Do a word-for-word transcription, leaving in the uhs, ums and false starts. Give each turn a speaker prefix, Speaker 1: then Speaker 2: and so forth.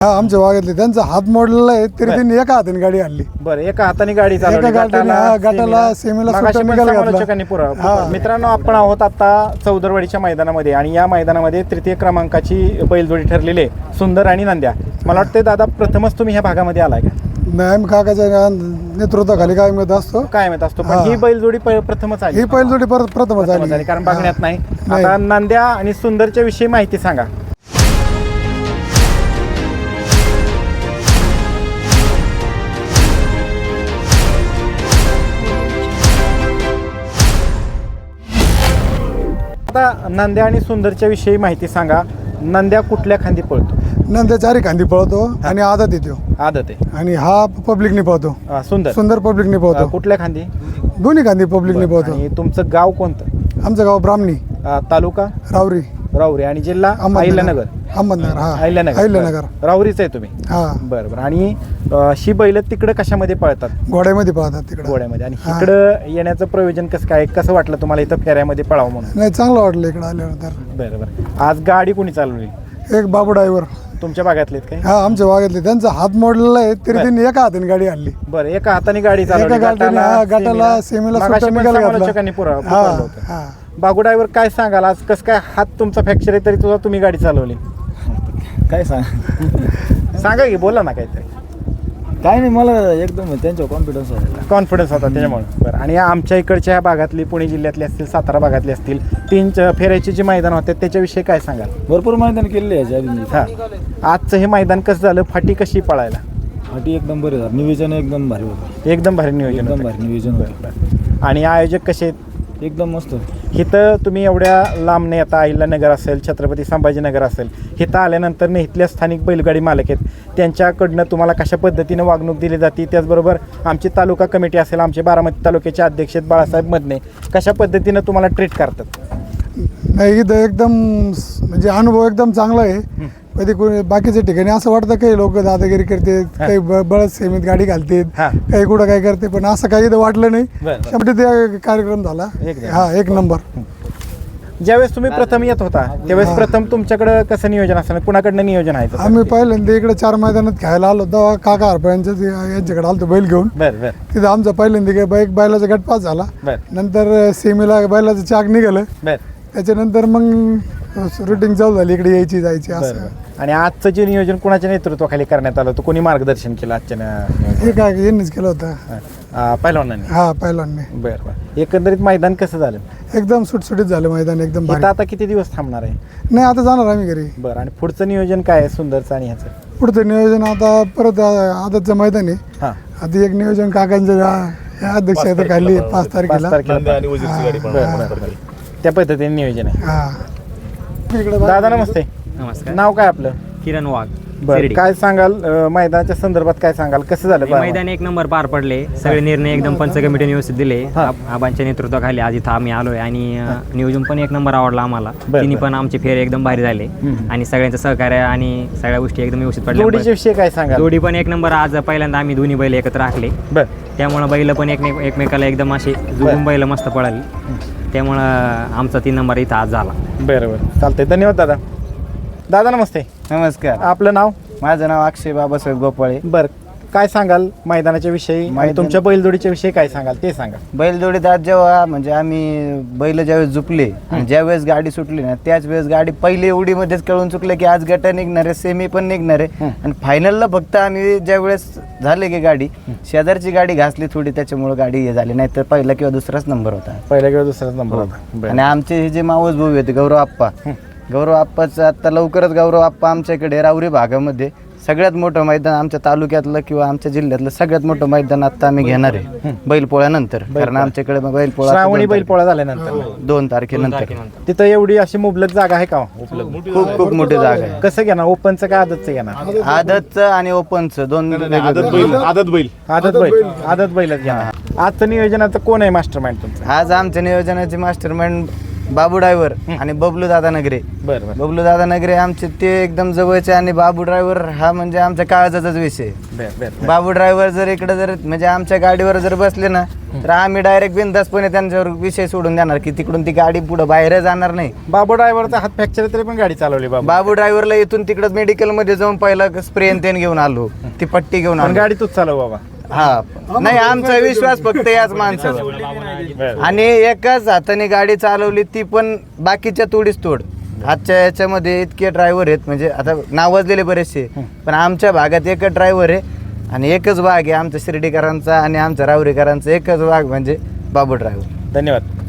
Speaker 1: हा आमच्या भागातले त्यांचा हात मोडलेला आहे तरी त्यांनी एका हाताने गाडी आणली.
Speaker 2: बरं, एका हाताने गाडी
Speaker 1: एका
Speaker 2: चालवली
Speaker 1: गाडीने हा, गटाला सेमीला
Speaker 2: मगाशी
Speaker 1: सुट्टा
Speaker 2: पण
Speaker 1: निकाल घातला.
Speaker 2: समालोचकांनी पुरा-
Speaker 1: हा.
Speaker 2: मित्रांनो, आपण आहोत आता चौदरवाडीच्या मैदानामध्ये आणि या मैदानामध्ये तृतीय क्रमांकाची बैलजोडी ठरलेली आहे, सुंदर आणि नंद्या. मला वाटतं दादा, प्रथमच तुम्ही ह्या भागामध्ये आलाय का?
Speaker 1: मॅम काकाच्या नेतृत्वाखाली काय मिळत असतो.
Speaker 2: काय माहित असतो, पण
Speaker 1: हा.
Speaker 2: ही बैलजोडी प- प्रथमच आली.
Speaker 1: ही पहिली जोडी परत प्रथमच
Speaker 2: प्रथमच आली,
Speaker 1: आली
Speaker 2: कारण बघण्यात नाही.
Speaker 1: नाही.
Speaker 2: आता नंद्या आणि सुंदरच्या विषयी माहिती सांगा. आता नंद्या आणि सुंदरच्या विषयी माहिती सांगा. नंद्या कुठल्या खांदी पळतो?
Speaker 1: नंतर चारी खांदी पळतो आणि आदत येतो
Speaker 2: आदत आहे.
Speaker 1: आणि हा पब्लिकने पळतो.
Speaker 2: अं, सुंदर
Speaker 1: सुंदर पब्लिकने
Speaker 2: अं,
Speaker 1: पळतो.
Speaker 2: कुठल्या खांदी?
Speaker 1: दोन्ही खांदी पब्लिकने पळतो.
Speaker 2: आणि तुमचं गाव कोणतं?
Speaker 1: आमचं गाव ब्राह्मणी,
Speaker 2: अं, तालुका
Speaker 1: रावरी,
Speaker 2: राहुरी आणि जिल्हा अहिल्यानगर.
Speaker 1: अहमदनगर. हा
Speaker 2: अहिल्यानगर
Speaker 1: अहिल्यानगर.
Speaker 2: बरं. राहुरीच आहे तुम्ही?
Speaker 1: हा
Speaker 2: बरं बरं. आणि अं, ही बैल तिकडं कशामध्ये पळतात?
Speaker 1: घोड्यामध्ये पळतात तिकडे.
Speaker 2: गोड्यामध्ये. आणि
Speaker 1: हा.
Speaker 2: इकडं येण्याचं प्रयोजन कसं काय, कसं वाटलं तुम्हाला इथं फेऱ्यामध्ये पळावं म्हणून?
Speaker 1: नाही चांगलं वाटलं इकडे आल्यावर तर.
Speaker 2: बरं बरं. आज गाडी कोणी चालवली?
Speaker 1: एक बाबू ड्रायव्हर,
Speaker 2: तुमच्या भागातलेत काय?
Speaker 1: हा आमच्या भागातले, त्यांचा हात मोडलेला आहे तरी त्यांनी एका हाताने गाडी आणली.
Speaker 2: बरं, एका हाताने गाडी चालवली.
Speaker 1: एका गाडीने हा, गटाला सेमीला
Speaker 2: मगाशी
Speaker 1: सुट्टा
Speaker 2: पण
Speaker 1: निकाल घातला.
Speaker 2: समालोचकांनी पुरा-
Speaker 1: हा
Speaker 2: पुकारलं होतं.
Speaker 1: हा
Speaker 2: बागू ड्रायव्हर, काय सांगाल आज? कसं काय हात तुमचा फ्रॅक्चर आहे तरी तुझा तुम्ही गाडी चालवली?
Speaker 3: काय सांग
Speaker 2: सांगा की, बोला ना काहीतरी.
Speaker 3: काय नाही, मला एकदम त्यांच्यावर कॉन्फिडन्स आहे.
Speaker 2: कॉन्फिडन्स होता त्याच्यामुळे. बरं. आणि आमच्या इकडच्या ह्या भागातली, पुणे जिल्ह्यातली असतील, सातारा भागातली असतील, तीन च- फेऱ्याचे जे मैदान होते त्याच्याविषयी काय सांगाल?
Speaker 3: भरपूर मैदान केलेले याच्या आधी.
Speaker 2: हां, आजचं हे मैदान कसं झालं? फाटी कशी पळायला?
Speaker 3: फाटी एकदम बरे झालं, नियोजन एकदम भारी होतं.
Speaker 2: एकदम भारी नियोजन
Speaker 3: एकदम
Speaker 2: होतं.
Speaker 3: भारी नियोजन होतं.
Speaker 2: आणि आयोजक कसे आहेत?
Speaker 3: एकदम मस्त.
Speaker 2: इथं तुम्ही एवढ्या लांबने आता अहिल्यानगर असेल, छत्रपती संभाजीनगर असेल, इथं आल्यानंतर न इथल्या स्थानिक बैलगाडी मालक आहेत, त्यांच्याकडनं तुम्हाला कशा पद्धतीनं वागणूक दिली जाते? त्याचबरोबर आमची तालुका कमिटी असेल, आमचे बारामती तालुक्याचे अध्यक्ष आहेत बाळासाहेब मदने, कशा पद्धतीनं तुम्हाला ट्रीट करतात?
Speaker 1: नाही इथं एकदम स- म्हणजे अनुभव एकदम चांगला आहे. कधी कोणी बाकीच्या ठिकाणी असं वाटतं काही लोक दादागिरी करतात, काही ब- बळद सेमीत गाडी घालतात,
Speaker 2: हा.
Speaker 1: काही कुठं काय करते, पण असं काही इथं वाटलं नाही.
Speaker 2: बरं.
Speaker 1: शेवटी ते कार्यक्रम झाला.
Speaker 2: एकदम.
Speaker 1: हा एक नंबर.
Speaker 2: ज्यावेळेस तुम्ही प्रथम येत होता त्यावेळेस प्रथम तुमच्याकडं कसं नियोजन असतं? कुणाकडनं नियोजन आहे?
Speaker 1: आम्ही पहिल्यांदा इकडे चार मैदानात खेळायला आलो तेव्हा काका हरपळ्यांच्या यांच्याकडे आलो बैल घेऊन.
Speaker 2: बरं बरं
Speaker 1: तिथं आमचा पहिल्यांदा गे- बैल बैलाचा गट पास झाला.
Speaker 2: बरं
Speaker 1: नंतर सेमीला बैलाचं चाक निघालं.
Speaker 2: बरं
Speaker 1: त्याच्यानंतर मग रुटीन चालू झाली इकडे यायची जायची
Speaker 2: बरं
Speaker 1: असं.
Speaker 2: बरं. आणि आजचं जे नियोजन कुणाच्या नेतृत्वाखाली करण्यात आलं होतं? कोणी मार्गदर्शन केलं आजच्या न-
Speaker 1: हे काय यांनीच केलं होतं.
Speaker 2: अं, पहिलवानांनी?
Speaker 1: हा पहिल्यांदा
Speaker 2: बरं बरं. एकंदरीत मैदान कसं झालं?
Speaker 1: एकदम सुटसुटीत झालं मैदान एकदम
Speaker 2: इथं
Speaker 1: भारी.
Speaker 2: आता किती दिवस थांबणार आहे?
Speaker 1: नाही आता जाणार आम्ही घरी.
Speaker 2: बरं. आणि पुढचं नियोजन काय आहे सुंदरचं आणि ह्याचं?
Speaker 1: पुढचं नियोजन आता परत आदतचं मैदान आहे.
Speaker 2: हां,
Speaker 1: आता एक नियोजन काकांच्या या- या अध्यक्ष आहे खाली पाच
Speaker 2: पाच
Speaker 1: तारखेला.
Speaker 2: तारखेला.
Speaker 4: आणि उजीरची गाडी पण
Speaker 2: बरं बरं बरं. त्या पद्धतीने नियोजन आहे.
Speaker 1: हा इकडे
Speaker 2: दादा नमस्ते.
Speaker 5: नमस्कार.
Speaker 2: नाव काय आपलं?
Speaker 5: किरण वाघ.
Speaker 2: बरं,
Speaker 5: शिर्डी.
Speaker 2: काय सांगाल अं, मैदानाच्या संदर्भात काय सांगाल? कसं झालं
Speaker 5: हे मैदान एक नंबर पार पडले. सगळे निर्णय एकदम पंच कमिटीने व्यवस्थित दिले.
Speaker 2: हा.
Speaker 5: आब- आबांच्या नेतृत्वाखाली आज इथं आम्ही आलोय आणि अ, नियोजन पण एक नंबर आवडला आम्हाला.
Speaker 2: बरं,
Speaker 5: तिन्ही
Speaker 2: बरं.
Speaker 5: पण आमचे फेरे एकदम भारी झाले
Speaker 2: हम्म.
Speaker 5: आणि सगळ्यांचं सहकार्य आणि सगळ्या गोष्टी एकदम व्यवस्थित पडल्या.
Speaker 2: जोडीच्या विषयी काय सांगाल?
Speaker 5: जोडी पण एक नंबर. आज पहिल्यांदा आम्ही दोन्ही बैल एकत्र राखले,
Speaker 2: बरं
Speaker 5: त्यामुळं बैल पण एकमेक एकमेकाला एकदम असे जुळून बैल मस्त पळाली. त्यामुळं आमचा तीन नंबर इथं आज झाला.
Speaker 2: बरं बरं. चालतंय, धन्यवाद दादा. दादा नमस्ते.
Speaker 6: नमस्कार.
Speaker 2: आपलं नाव?
Speaker 6: माझं नाव अक्षय बाबासाहेब गोपाळे.
Speaker 2: बरं, काय सांगाल मैदानाच्या विषयी आणि
Speaker 6: मैदान-
Speaker 2: तुमच्या बैलजोडीच्या विषयी काय सांगाल ते सांगा.
Speaker 6: बैलजोडीत आज जेव्हा म्हणजे आम्ही बैल ज्यावेळेस झुपले आणि ज्यावेळेस गाडी सुटली ना त्याच वेळेस गाडी पहिली उडीमध्येच कळून चुकलं की आज गट निघणार आहे, सेमी पण निघणार आहे. आणि फायनलला फक्त आम्ही ज्यावेळेस झाले की गाडी शेजारची गाडी घासली थोडी, त्याच्यामुळे गाडी हे झाली, नाही तर पहिला किंवा दुसराच नंबर होता.
Speaker 2: पहिल्या किंवा दुसराच नंबर होता. बरं.
Speaker 6: आणि आमचे हे जे मावस भाऊ होते गौरव आप्पा, गौरव आप्पाचं आता लवकरच गौरव आप्पा आमच्याकडे रावरी भागामध्ये सगळ्यात मोठं मैदान आमच्या तालुक्यातलं किंवा आमच्या जिल्ह्यातलं सगळ्यात मोठं मैदान आता आम्ही घेणार आहे बैलपोळ्यानंतर. कारण आमच्याकडे बैलपोळा
Speaker 2: श्रावणी बैलपोळा झाल्यानंतर
Speaker 6: दोन तारखेनंतर
Speaker 2: तिथं एवढी अशी मुबलक जागा आहे का उपलब्ध?
Speaker 6: खूप खूप मोठी जागा आहे.
Speaker 2: कसं घेणार? ओपनचं का आदतचं घेणार?
Speaker 6: आदतचं आणि ओपनचं दोन
Speaker 4: आदत
Speaker 6: वेगवेगळं.
Speaker 4: बैल आदत बैल
Speaker 2: आदत बैल. आदत बैलच घेणार. आजचं नियोजनाचं कोण आहे मास्टर माइंड तुमचं?
Speaker 6: आज आमच्या नियोजनाचे मास्टरमाइंड बाबू ड्रायव्हर आणि बबलू दादा नगरे.
Speaker 2: बरं बरं
Speaker 6: बबलू दादा नगरे आमचे ते एकदम जवळचे आणि बाबू ड्रायव्हर हा म्हणजे आमच्या काळजाचाच विषय.
Speaker 2: बरं बरं
Speaker 6: बाबू ड्रायव्हर जर इकडे जर म्हणजे आमच्या गाडीवर जर बसले ना तर आम्ही डायरेक्ट बिनधास्तपणे त्यांच्यावर विषय सोडून देणार की तिकडून ती गाडी पुढे बाहेर जाणार नाही.
Speaker 2: बाबू ड्रायव्हरचा हात फ्रॅक्चर तरी पण गाडी चालवली बाबू
Speaker 6: बाबू ड्रायव्हरला इथून तिकडं मेडिकलमध्ये जाऊन पहिला स्प्रे तेन घेऊन आलो, ती पट्टी घेऊन
Speaker 2: पण
Speaker 6: आलो.
Speaker 2: गाडी तूच चालव बाबा.
Speaker 6: हा नाही, आमचा विश्वास फक्त याच माणसावर.
Speaker 2: बरं.
Speaker 6: आणि एकाच हाताने गाडी चालवली ती पण बाकीच्या तोडीस तोड. आजच्या याच्यामध्ये इतके ड्रायव्हर आहेत, म्हणजे आता नावाजलेले बरेचसे, पण आमच्या भागात एकच ड्रायव्हर आहे आणि एकच भाग आहे आमच्या शिर्डीकरांचा आणि आमच्या राहुरीकरांचा एकच भाग म्हणजे बाबू ड्रायव्हर.
Speaker 2: धन्यवाद.